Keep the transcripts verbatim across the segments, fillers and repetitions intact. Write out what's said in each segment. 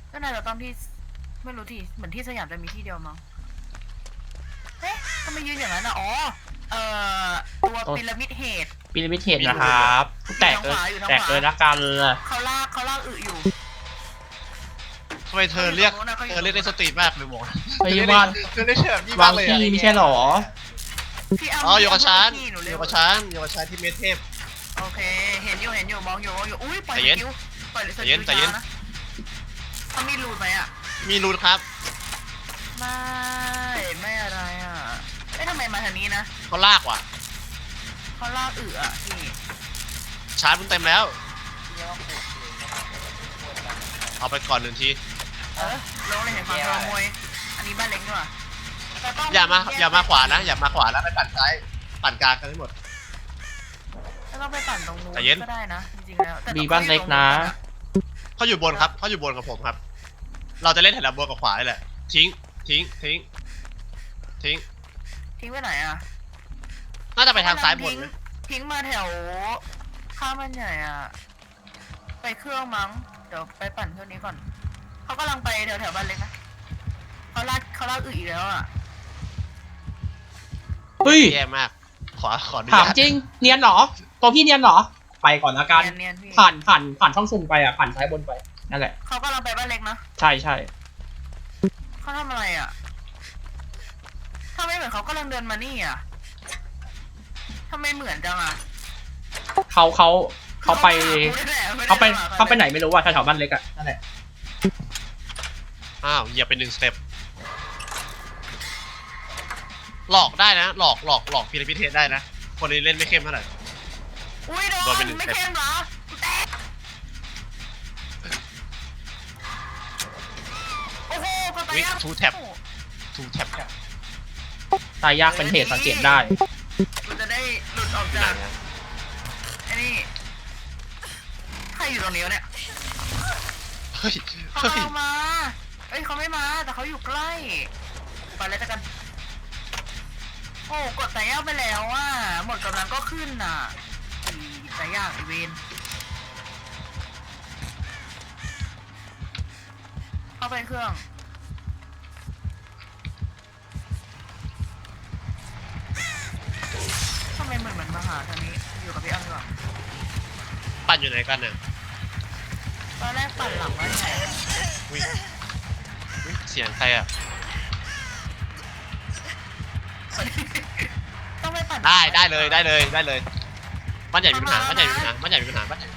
ก็น่าจะต้องที่ไม่รู้ที่เหมือนที่สยามจะมีที่เดียวมั้งเฮ้ยทำไมยืนอย่างนั้นอ่ะอ๋อเอ่อตัวพีระมิดเฮดพีระมิดเฮดนะครับแตกเลยแตกเลยละกันเขาลากเขาลากอึอยู่ทำไมเธอเรียกเธอเรียกได้สตรีทมากเลยหมอพยาบาลเธอเรียกแบบนี้วามาง กเลยที่ไม่ใช่หรออ๋ออยู่กับฉันอยู่กับฉันอยู่กับฉันที่เมเทพโอเคเห็นอยู่เห็นอยู่มองอยู่มองอยู่อุ้ยปล่อยสกิลปล่อยสกิลนะเขามีรูดไหมอ่ะมีรูนครับไม่ไม่อะไรอ่ะเอ้ยทำไมมาทางนี้นะเขาลากว่ะเขาลากอึอ่ะพี่ชาร์จมันเต็มแล้วเอาไปก่อนหนึ่งทีเออลงเลยเห็นความขโมยอันนี้บ้านเล็กด้วยอย่ามาอย่ามาขวานะอย่ามาขวานะไปปั่นซ้ายปั่นกลางกันทั้งหมดแล้วก็ไปปั่นตรงนู้นก็ได้นะจริงๆแล้วมีบ้านเล็กนะเขาอยู่บนครับเขาอยู่บนกับผมครับเราจะเล่นแถวบนกับขวาเลยแหละทิ้งทิ้งทิ้งทิ้งทิ้งไปไหนอ่ะน่าจะไปทางซ้ายบนทิ้งมาแถวข้ามมันใหญ่อ่ะไปเครื่องมั้งเดี๋ยวไปปั่นเครื่องนี้ก่อนเขากำลังไปแถวแถวบ้านเล็กนะเขาลากเขาลากอึอีกแล้วอ่ะเฮ้ยแย่มากขอขอถามจริงเนียนหรอตัวพี่เนียนหรอไปก่อนละกันผ่านผ่านผ่านช่องซุ่มไปอ่ะผ่านซ้ายบนไปนั่นแหละเขากำลังไปบ้านเล็กนะใช่ใช่เขาทำอะไรอ่ะทำไมเหมือนเขากำลังเดินมานี่อ่ะทำไมเหมือนจังอ่ะเขาเขาเขาไปเขาไปเขาไปไหนไม่รู้ว่าแถวบ้านเล็กอ่ะนั่นแหละอ้าวอย่าเป็นหนึ่งสเต็ปหลอกได้นะหลอกหลอกหลอกพีระมิดเทสได้นะคนนี้เล่นไม่เข้มเท่าไหร่อุ้ยโดนไม่เข้มเหรอโอ้โหก็ตายยากทูแท็บทูแท็บตายยากเป็นเหตุสังเกตได้มันจะได้หลุดออกจากไอ้นี่ใครอยู่ตรงนี้วะเนี่ยเฮ้ยเขามาเอ้ยเขาไม่มาแต่เขาอยู่ใกล้ไปเลยกันโอ้กดแต่ยากไปแล้วอ่ะหมดกำลังก็ขึ้นน่ะแต่ยากอีเวนเข้าไปเครื่องทำไมเหมือนเหมือนมาหาทางนี้อยู่กับพี่อ้ำดีกว่าปั่นอยู่ไหนกันเนี่ยตอนแรกปั่นหลังไว้ไหนวิ่งเสียงใครอ่ะต้องไปปั่นได้ได้เลยได้เลยได้เลยบ้านใหญ่มีปัญหาบ้านใหญ่มีปัญหาบ้านใหญ่มีปัญหาบ้านใหญ่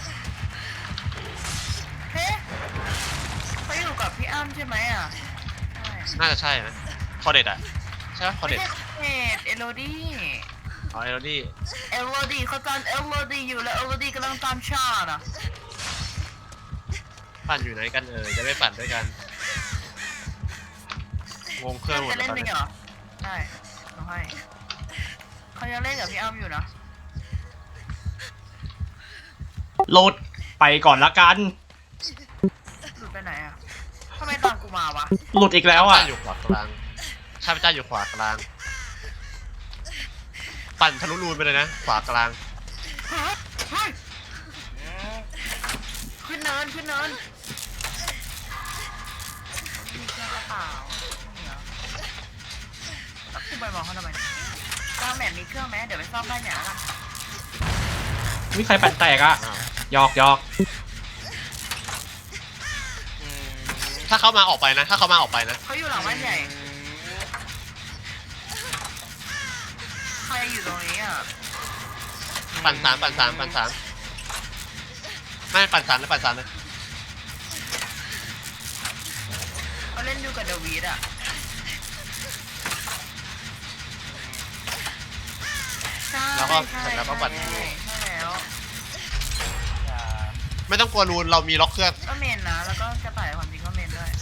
เฮ้เขาอยู่กับพี่อ้ำใช่ไหมอ่ะน่าจะใช่นะคอเด็ดอ่ะใช่ไหมคอเด็ดเอ็ดเอโรดี้อ๋อเอโรดี้เอโรดี้เขาตามเอโรดี้อยู่แล้วเอโรดี้กำลังตามชาติอ่ะปั่นอยู่ไหนกันเออจะไม่ปั่นด้วยกันงงเครื่องหมดจะเล่นจริงเหรอได้ต้องให้เขายังเล่นกับพี่อ้ำอยู่นะโหลดไปก่อนละกันหลุดไปไหนอ่ะทำไมตามกูมาวะหลุดอีกแล้วอ่ะอยู่ขวากลางข้าพเจ้าอยู่ขวากลางปั่นทะลุรูนไปเลยนะขวากลางขึ้นเนินขึ้นเนินมีเครื่องกระเป๋าเนี่ยกูไปบอกเขาทำไมกลางแมปมีเครื่องไหมเดี๋ยวไปซ่อมบ้านอย่างนั้นวิใครปั่นแตกอ่ะยอกยอกถ้าเขามาออกไปนะถ้าเขามาออกไปนะเขาอยู่หลังบ้านใหญ่ใครอยู่ตรงนี้อ่ะปั่นสามปั่นสามปั่นสามไม่ปั่นสามแล้วปั่นสามเลยเขาเล่นอยู่กับเดวิดอ่ะแล้วก็แล้วก็ปั่นไม่ต้องกลัวรูนเรามีล็อกเครื่องก็เมนนะแล้วก็กระต่ายความจริงก็เมนด้วย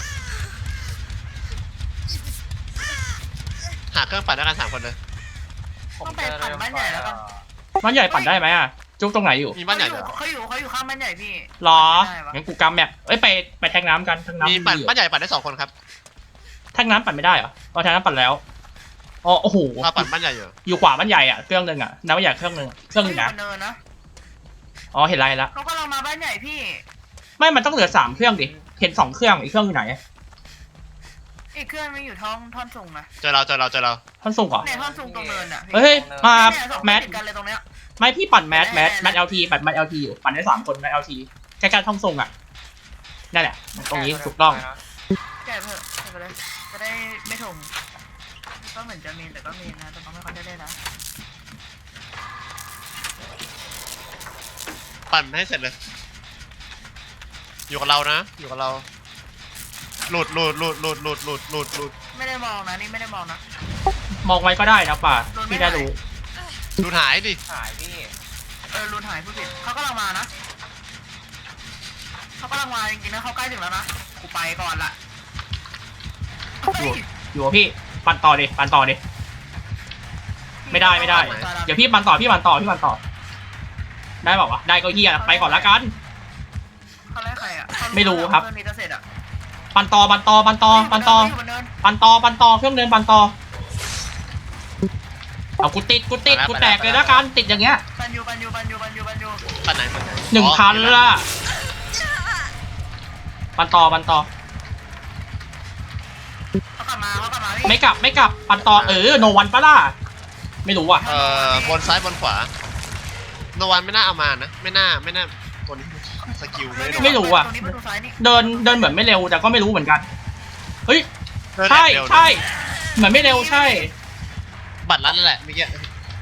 หาเครื่องปั่นด้วยกันสามคนเลยต้องไปปั่นบ้านใหญ่แล้วกันบ้านใหญ่ปั่นได้ไหมอ่ะจุ๊บตรงไหนอยู่มีบ้านใหญ่เขาอยู่เขาอยู่ข้างบ้านใหญ่พี่หรองั้นกูกำแมปเอ้ยไปไปแทงน้ำกันแทงน้ำมีปั่นบ้านใหญ่ปั่นได้สองคนครับแทงน้ำปั่นไม่ได้เหรอเราแทงน้ำปั่นแล้วอ๋อโอ้โหปั่นบ้านใหญ่อยู่อยู่ขวาบ้านใหญ่อ่ะเครื่องนึงอ่ะน้ำบ้านใหญ่เครื่องนึงเครื่องนึงนะอ๋อเห็นไรแล้วเขากำลังมาบ้านใหญ่พี่ไม่มันต้องเหลือสามเครื่องดิเห็นสองเครื่องอีกเครื่องอยู่ไหนอีกเครื่องมันอยู่ท้องท่อนสูงนะเจอเราเจอเราเจอเราท่อนส่งเหรอในท่อนสูงตรงเนินอ่ะเฮ้ยมาเนี่ยสองคนแมทติดกันเลยตรงเนี้ยไม่พี่ปั่นแมทแมทแมทเอลทีปั่นแมทเอลทีอยู่ปั่นได้สามคนแมทเอลทีใกล้ๆท่องส่งอ่ะนั่นแหละตรงนี้ถูกต้องแกะเถอะแกะไปเลยจะได้ไม่ถงก็เหมือนจะเมนแต่ก็เมนนะแต่ก็ไม่ค่อยได้เล่นนะปั่นให้เสร็จเลย อยู่กับเรานะ อยู่กับเรา หลุดหลุดหลุดหลุดหลุดหลุดหลุดหลุดไม่ได้มองนะนี่ไม่ได้มองนะมองไว้ก็ได้นะป่าพี่ได้รู้หลุดหายดิหายพี่เออรูนหายผู้ผิดเขากำลังมานะเขากำลังมาจริงๆนะเขาใกล้ถึงแล้วนะกูไปก่อนละเฮ้ยอยู่กับพี่ปั่นต่อดิปั่นต่อดิไม่ได้ไม่ได้ เดี๋ยวพี่ปั่นต่อพี่ปั่นต่อพี่ปั่นต่อ ได้บอกว่าวะได้ก็เฮียไปก่อนละกันเขาไล่ใครอ่ะไม่รู้ครับเพื่อนนี้จะเสร็จอ่ะปั่นต่อปั่นต่อปั่นต่อปั่นต่อยู่บนเนินปั่นต่อปั่นต่อเครื่องเดินปั่นต่อเอากูติดกูติดกูแตกเลยละกันติดอย่างเงี้ยปันยูปันยูปันยูปันยูปันยูปั่นไหนปั่นไหนหนึ่งพันละปั่นต่อปั่นต่อเขากลับมาเขากลับมาพี่ไม่กลับไม่กลับปั่นต่อเออโนวันปะล่ะไม่รู้ว่ะเอ่อบนซ้ายบนขวาโนวันไม่น่าเอามานะ ไม่น่าไม่น่าตัวนี้สกิลไม่ได้ไม่รู้อะตรงนี้ประตูซ้ายนี่เดินเดินเหมือนไม่เร็วแต่ก็ไม่รู้เหมือนกันเฮ้ยเดินใช่เร็วนะใช่เหมือนไม่เร็วใช่บัตรลัดนั่นแหละเมื่อกี้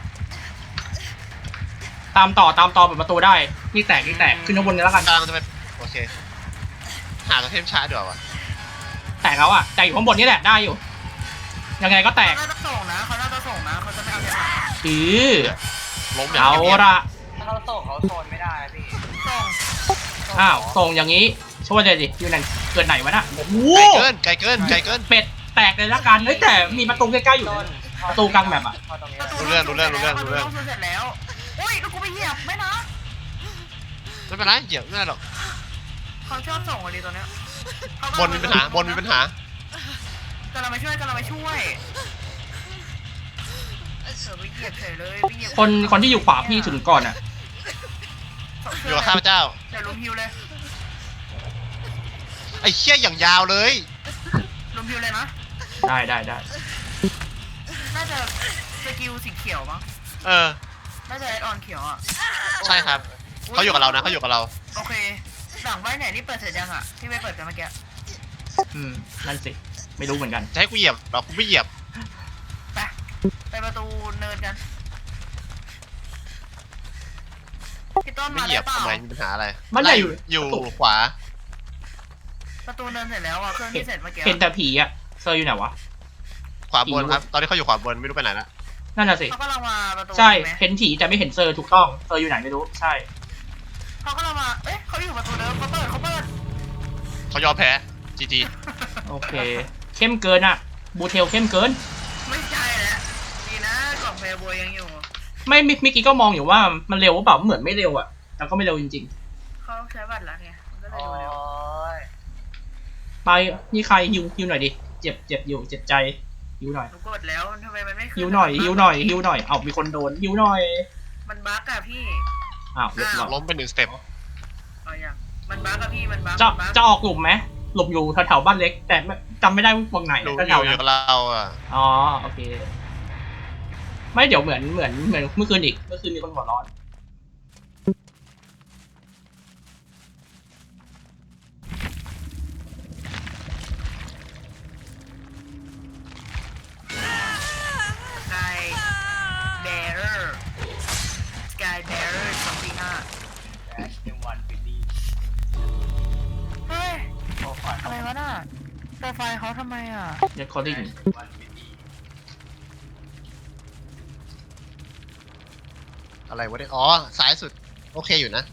ตามต่อตามต่อเปิดประตูได้นี่แตกนี่แตกขึ้นข้างบนเลยแล้วกันกำลังจะไปโอเค หาตัวเทมช้าเดี๋ยววะแตกแล้วอ่ะแต่อยู่ข้างบนนี่แหละได้อยู่ ยังไงก็แตกเขาน่าจะส่งนะเขาน่าจะส่งนะเขาจะไม่เอาเทปหลังอือล้มอย่างเอาเงียบละถ้าเขาโตกเขาโซนไม่ได้นะพี่ส่งอ้าวส่งอย่างนี้ช่วยเลยดิอยู่ไหนเกิดไหนวะน่ะโอ้โหไกลเกินไกลเกินไกลเกินเป็ดแตกเลยละกันเฮ้ยแต่มีประตูใกล้ๆอยู่ต้นนะ ประตูกลางแบบอะเข้าตรงนี้ประตูรู้เรื่องรู้เรื่องรู้เรื่องรู้เรื่องประตูเสร็จแล้วอุ้ยแล้วกูไปเหยียบไม่นะไม่เป็นไรเหยียบไม่ได้หรอกเขาชอบส่งอะดิตัวเนี้ยเขาบนมีปัญหาบนมีปัญหากำลังมาช่วยกำลังมาช่วยเออไปเหยียบเฉยเลยไปเหยียบคนคนที่อยู่ขวาพี่ถึงก่อนอ่ะอยู่กับข้าพเจ้าเดี๋ยวลุมฮิวเลยไอ้เชี่ยอย่างยาวเลยลุมฮิวเลยนะได้ได้ได้น่าจะสกิลสีเขียวมั้งเออน่าจะแอดออนเขียวอ่ะใช่ครับเขาอยู่กับเรานะเขาอยู่กับเราโอเคหลังใบไหนนี่เปิดเสร็จยังอ่ะที่ไม่เปิดกันเมื่อกี้อืมนั่นสิไม่รู้เหมือนกันจะให้กูเหยียบเรากูไม่เหยียบไปไปประตูเนินกันพี่ต้นไม่มาเหยีได้ยบเปล่าทำไมมีปัญหาอะไรมันใหญ่อยู่อยู่ประตูขวาประตูเนินเสร็จแล้วอ่ะเครื่องที่เสร็จเมื่อกี้เห็นแต่ผีอ่ะเซอร์อยู่ไหนวะขวาบนครับ ตอนนี้เขาอยู่ขวาบนไม่รู้ไปไหนละนั่นน่ะสิเขากำลังมาประตูใช่ไหมเห็นผีแต่ไม่เห็นเซอร์ถูกต้องเซอร์อยู่ไหนไม่รู้ใช่เขากำลังมาเอ๊ะเขาอยู่ประตูเดิมเขาเปิดเขาเปิดเขายอมแพ้จีจีโอเค เข้มเกินอ่ะบูเทลเข้มเกินไม่ใช่แล้วดีนะกล่องแฟร์บวยยังอยู่ไม่มิมิกกี้ก็มองอยู่ว่ามันเร็วหรือเปล่าเหมือนไม่เร็วอ่ะแต่ก็ไม่เร็วจริงเขาใช้บัตรแล้วไงมันก็เลยโอ้ดูเร็วยๆ ไปนี่ใครฮิวฮิวหน่อยดิเจ็บเจ็บอยู่เจ็บใจฮิวหน่อยหนูกดแล้วทำไมมันไม่ขึ้นฮิวหน่อยฮิวหน่อยฮิวหน่อยเอามีคนโดนฮิวหน่อยมันบั๊กอะพี่อ้าวเรียบร้อยล้มไปหนึ่งสเต็ปเอาอย่างมันบั๊กอะพี่มันบั๊กจะมันบั๊กจะออกหลุมไหมหลุมอยู่แถวๆบ้านเล็ก แต่ไม่จำไม่ได้ว่าตรงไหนดูแถอยู่วๆอนั้ยู่นกับเราอ่ะอ๋อโอเค ไม่เดี๋ยวเหมือนเหมือนเหมือนเมื่อคืนอีกเมื่อคืนมีคนหัวร้อนสกายแบร์เรอร์สกายแบร์เรอร์สองสี่ห้าแอชเอ็มวันบิลลี่เฮ้ยโอ้ฝันอะไรวะน่ะแต่ไฟเขาทำไมอ่ะเรคคอร์ดิ้งวันบิลลี่อะไรวะเนี่ยอ๋อซ้ายสุดโอเคอยู่นะ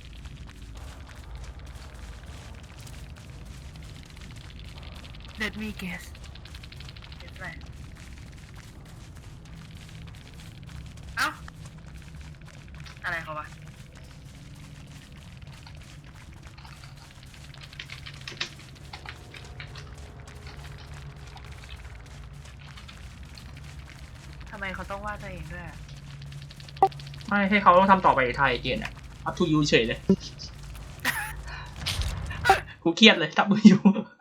Let me guess guess อะไรเอ้าอะไรเขาวะทำไมเขาต้องว่าตัวเองด้วยอะไม่ให้เขาต้องทำต่อไปไทยเกณฑ์อ่ะ up to you เฉยเลยกูเครียดเลยจับมืออยู่